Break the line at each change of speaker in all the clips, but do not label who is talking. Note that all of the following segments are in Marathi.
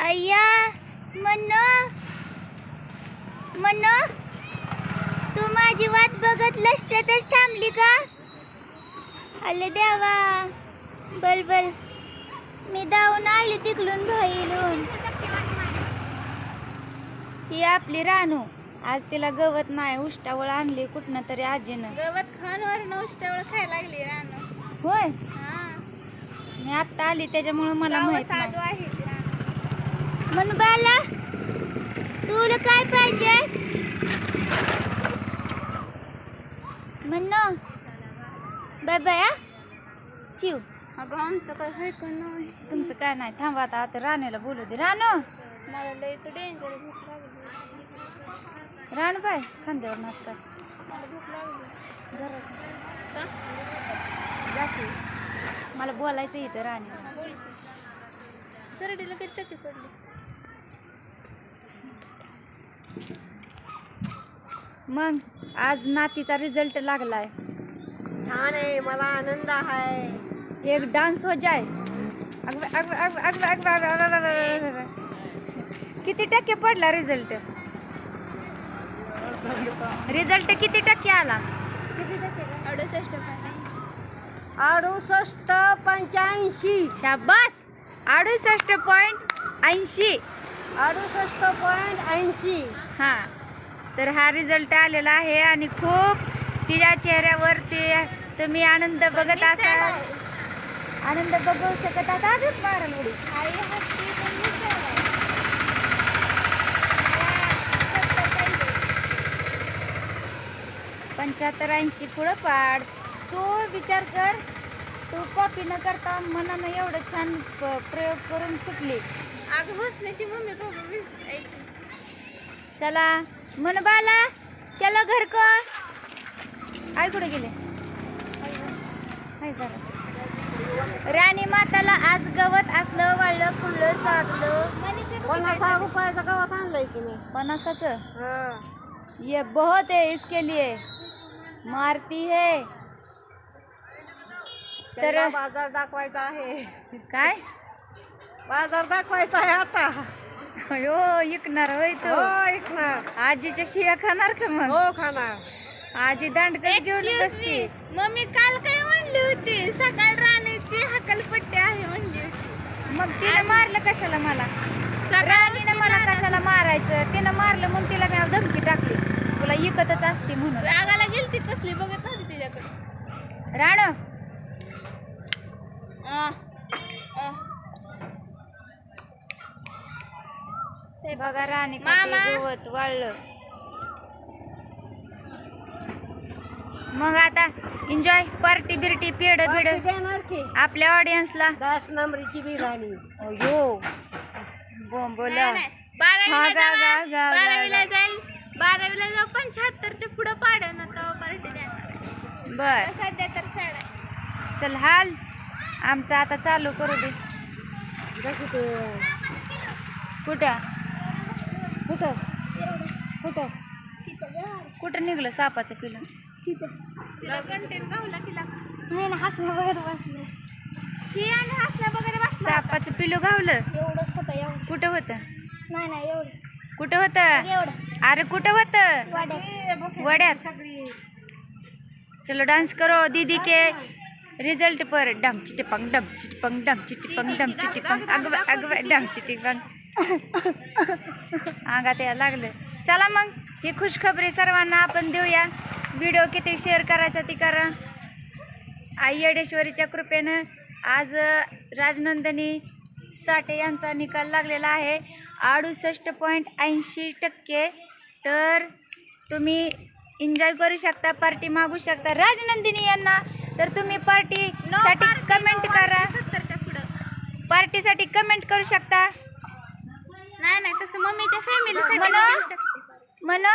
अय्या मन्नो मन्नो, तू माझी वाट बघत लष्टतच थांबली का? अले देवा, बल बल, मी धावून आली तिकडून बाहेरून. ही आपली रानू, आज तिला गवत नाही, उष्टावळ आणली कुठनं तरी आजीनं.
गवत खानवर उष्टावळ खायला लागली रानू.
होय,
हा,
मी आत्ता आली त्याच्यामुळे मला माहित नाही.
साधू आहे ती रानू.
म्हणून बाला, तुला काय पाहिजे? म्हणणं बाय बाय. चिव,
अगं आमचं काय आहे का नाही?
तुमचं काय नाही, थांबा आता राणीला बोलू दे. राणू,
मला लयच डेंजर भूक लागली.
राणू बाय खांद्यावर नात का
मला भूक लागली.
घरात
का?
जाते, मला बोलायचं इथं राणीला.
हा, बोल की. सरडीला किती टक्के पडली?
मग आज नातीचा रिझल्ट लागलाय.
छान आहे, मला आनंद आहे.
एक डान्स हो जाय. किती टक्के पडला रिझल्ट? रिझल्ट किती टक्के आला?
किती टक्के?
68.85. शाबास, 68.80.
68.80.
हा, तर हा रिझल्ट आलेला आहे आणि खूप तिच्या चेहऱ्यावरती तुम्ही आनंद बघत असाल, आनंद बघू शकत असाल. अजून मारायला उडी.
आई हसती पण मी sad आहे.
75-80 पुढं पाड. तू विचार कर, तू कॉपी न करता मनानं एवढं छान प्रयोग करून सुटली.
अगं हसण्याची मम्मी पप्पा मी ऐकते.
चला मन बाला, चलो घर को. आई कुठे गेले? हाय घरात. राणी माताला आज गवत असलं वाळलं खुल्लं चाललं.
50 रुपयाचं गवत आणलंय की मी.
50चं? ये बहुत है इसके लिए, मारती है. तर
बाजार दाखवायचा आहे.
काय
बाजार दाखवायचा आहे आता.
अयो, इकणार होय तो?
ऐकणार.
आजीच्या शिव्या खाणार का मग?
हो खाणार.
आजी दांडकच घेऊन बसती.
मम्मी काल काय म्हणली होती? सकाळ राणीची हकलपट्टी आहे म्हणली होती.
मग तिनं मारलं कशाला मला? राणीनं मला कशाला मारायचं? तिनं मारलं म्हणून तिला मी धमकी टाकली, तुला इकतच असते म्हणून.
रागाला गेलती कसली बघत नव्हती तिच्याकडे.
राणू, बघा राणी
मामा.
गवत वाळलं. मग आता एन्जॉय, पार्टी बिर्टी, पेड बिड आपल्या ऑडियन्सला.
10 नंबरची बिर्याणी.
अयो बोंबला.
बारावीला जाईल 75च्या पुढं पाडन आता पार्टी देणार.
बर,
सध्या तर साड आहे.
चल हाल, आमचं आता चालू करू दे. कुठं कुठं कुठं कुठं निघलं सापाचं पिलं?
तिला कंटेन गावला तिला. नाही ना, हसण्या वगैरे बसले. ही आणि हसण्या वगैरे बसला.
सापाचं पिलू गावलं?
एवढंच होतं, एवढं.
कुठं होतं?
नाही एवढं.
कुठं होतं?
एवढं
अरे कुठं होतं? वड्यात. चलो डांस करो दीदी के रिजल्ट पर. डम चिटपंग डम चिटपंग डम चिटपंग डम चिटपंग. अगं अगं डम चिटपंग. अंगात यायला लागलं. चला मग ही खुशखबरी सर्वांना आपण देऊया. व्हिडिओ किती शेअर करायचा ती करा. आई येडेश्वरीच्या कृपेनं आज राजनंदिनी साठे यांचा निकाल लागलेला आहे 68.80%. तर तुम्ही एन्जॉय करू शकता, पार्टी मागू शकता राजनंदिनी यांना. तर तुम्ही पार्टीसाठी कमेंट करा.
70च्या पुढं
पार्टीसाठी कमेंट करू शकता.
नाही तसं मम्मीच्या फॅमिलीसाठी
मन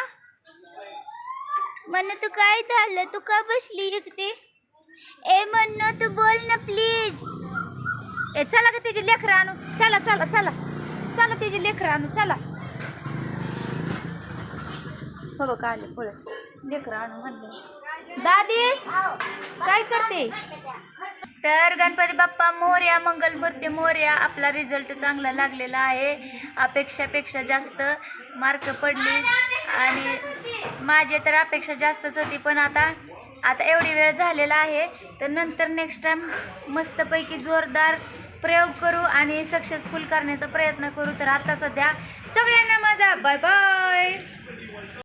मन तू काय झालं? तू का बसली इकडे? ए म्हणणं, तू बोल ना प्लीज. ए चला का तिची लेकरं आणू. चला चला चला चला, तिची लेकरं आणू. चला हो का आले पुढे लेकरं आणू म्हणलं. दादी काय करते? तर गणपती बाप्पा मोरया, मंगलमूर्ती मोरया. आपला रिझल्ट चांगला लागलेला आहे, अपेक्षापेक्षा जास्त मार्क पडली आणि माझे तर अपेक्षा जास्तच होती. पण आता एवढी वेळ झालेला आहे, तर नंतर नेक्स्ट टाइम मस्तपैकी जोरदार प्रयोग करू आणि सक्सेसफुल करण्याचा प्रयत्न करू. तर आता सध्या सगळ्यांना माझा बाय बाय.